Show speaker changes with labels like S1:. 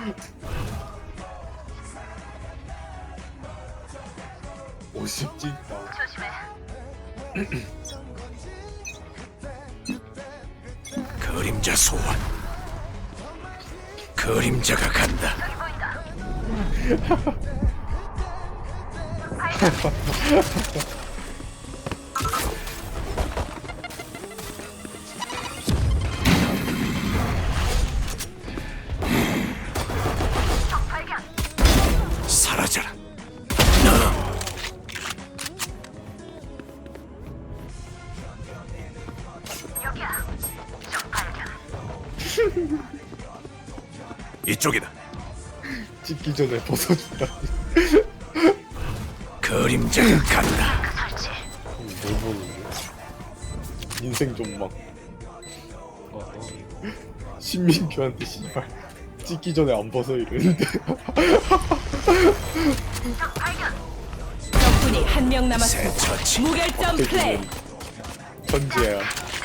S1: 오십 찐다.
S2: 그림자 소환. 그림자가 간다. 사라져라. 이쪽이다.
S1: 찍기 전에 벗어준다.
S2: 그림자가 간다.
S1: 뭘 보는데? 인생 존망. 신민규한테 씨발 찍기 전에 안 벗어 이러는데.
S3: 적군이 한 명
S2: 새
S3: 남았습니다.
S2: 처치.
S3: 무결점 플레이.
S1: 천지야.